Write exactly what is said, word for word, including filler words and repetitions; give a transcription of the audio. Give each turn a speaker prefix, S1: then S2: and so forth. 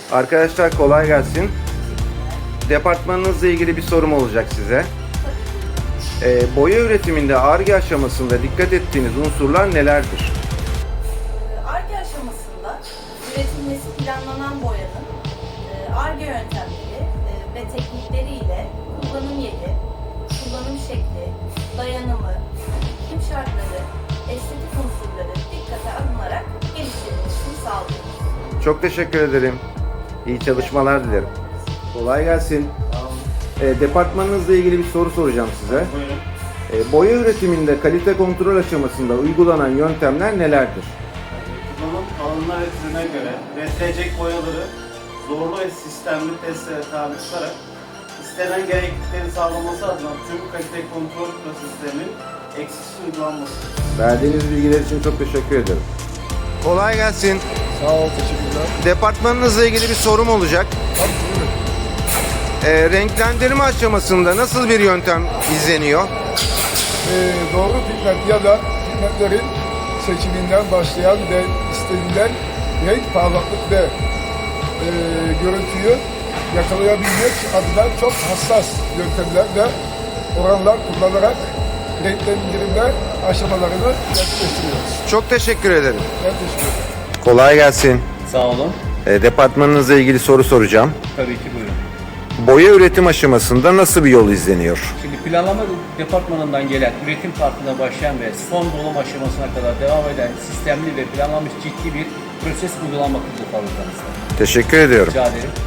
S1: Arkadaşlar kolay gelsin. Departmanınızla ilgili bir sorum olacak size. Ee, boya üretiminde Ar-Ge aşamasında dikkat ettiğiniz unsurlar nelerdir?
S2: Ar-Ge aşamasında üretilmesi planlanan boyanın Ar-Ge yöntemleri ve teknikleriyle kullanım yeri, kullanım şekli, dayanımı, iklim şartları, estetik unsurları dikkate alınarak geliştirilmesini sağlıyoruz.
S1: Çok teşekkür ederim. İyi çalışmalar dilerim. Kolay gelsin. Ee, departmanınızla ilgili bir soru soracağım size.
S3: Buyurun.
S1: Ee, boya üretiminde kalite kontrol aşamasında uygulanan yöntemler nelerdir?
S3: Kullanım alanına ve türüne göre üretilecek boyaları zorlu ve sistemli testlere tabi tutarak istenen gereklilikleri sağlaması adına tüm kalite kontrol proseslerinin eksiksiz uygulanması.
S1: Verdiğiniz bilgiler için çok teşekkür ederim. Kolay gelsin.
S4: Sağ ol, teşekkürler.
S1: Departmanınızla ilgili bir sorum olacak.
S4: Tabii, buyurun.
S1: Ee, renklendirme aşamasında nasıl bir yöntem izleniyor?
S4: Ee, doğru pigment ya da pigmentlerin seçiminden başlayan ve istenilen renk, parlaklık ve e, görüntüyü yakalayabilmek adına çok hassas yöntemler ve oranlar kullanarak renklendirme aşamalarını gerçekleştiriyoruz.
S1: Çok teşekkür ederim.
S4: Ben teşekkür ederim.
S1: Kolay gelsin.
S5: Sağ olun.
S1: Ee, departmanınızla ilgili soru soracağım.
S5: Tabii ki buyurun.
S1: Boya üretim aşamasında nasıl bir yol izleniyor?
S5: Şimdi planlama departmanından gelen üretim partına başlayan ve son dolum aşamasına kadar devam eden sistemli ve planlanmış ciddi bir proses uygulanmaktadır fabrikamızda.
S1: Teşekkür ediyorum.
S5: Rica ederim.